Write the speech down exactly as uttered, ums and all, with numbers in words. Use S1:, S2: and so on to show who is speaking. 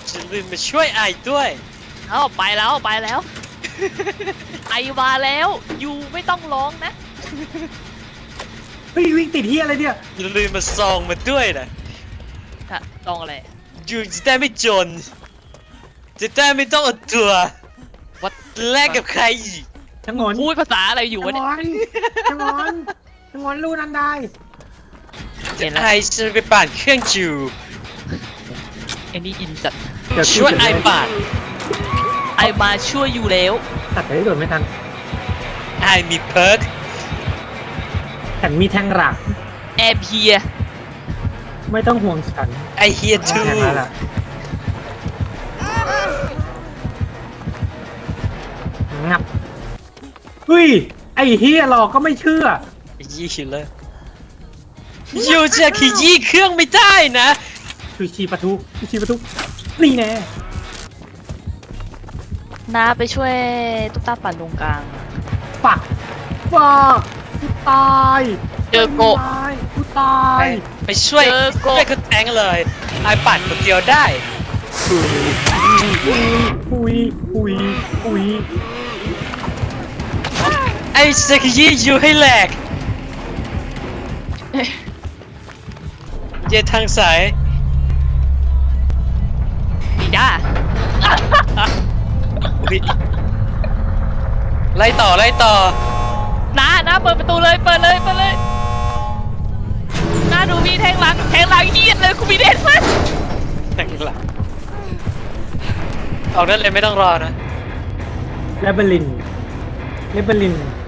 S1: จะลืมมาช่วยไอ้ด้วย
S2: เอ้าไปแล้วไปแล้ว ไอมาแล้วยูไม่ต้องร้องนะ
S3: เฮ้ยวิ่งติดเฮียอะไรเนี่ย
S1: อย่าลืมมาซองมาด้วยนะ
S2: ค่ะลองอะไร
S1: ยูจะได้ไม่จน จะได้ไม่ต้องอดตัว
S2: วัด
S1: แลกกับใครอีก
S3: ชะงน
S2: พูดภาษาอะไรอยู่
S3: ชะ
S2: วะ
S3: ง
S2: เนี่ย
S3: อนชะงอนชะงอนรู้นั้นได้
S2: เห็นแล้ว
S1: ไอ้จะไปปั่นเครื่องจู
S2: ไอ้นี่อินจัด
S3: เดี๋ยว
S1: ช่วยไอ้ปั่น
S2: ไอมาช่วยอยู่แล้ว
S3: ตัดไปได้โดนไม่ทัน
S1: ไอ้มีเพิร์ก
S3: ฉันมีแทงหลัก
S2: แอร์เพีย
S3: ไม่ต้องห่วงฉัน
S1: ไอ้เฮียทู
S3: แทงแล้วล่ะงับเฮ้ยไอ้เฮียหลอกก็ไม่เชื่อ
S1: ยี่เลยยูจะขยี้เครื่องไม่ได้นะ
S3: ชูชีปะทุชูชีปะทุนี่แน่
S2: น้าไปช่วยตุ๊กตาปั่นตรงกลาง
S3: ปักปักกูตาย
S2: เจอโกะ
S3: ตายกูตา
S1: ไป
S3: ย
S1: ไปช่วย
S2: เจอโกะ
S1: ช่วยเขาแทงเลยไอ้ปั่นคนเดียวได้
S3: ปุยปุยปุยปุย
S1: ไอ้จะขยี้ยูให้แหลกเย็นทางสาย
S2: ดีด้า
S1: อุ๊ยไล่ต่อไล่ต่อ
S2: น้าน้าเปิดประตูเลยเปิดเลยเปิดเลยน้าดูมีแทงหลังแทงหลังเยียดเลยกูมีเด็ดมั้ย
S1: แทงหลังออกได้เลยไม่ต้องรอนะ
S3: เลเบลินเลเบลิน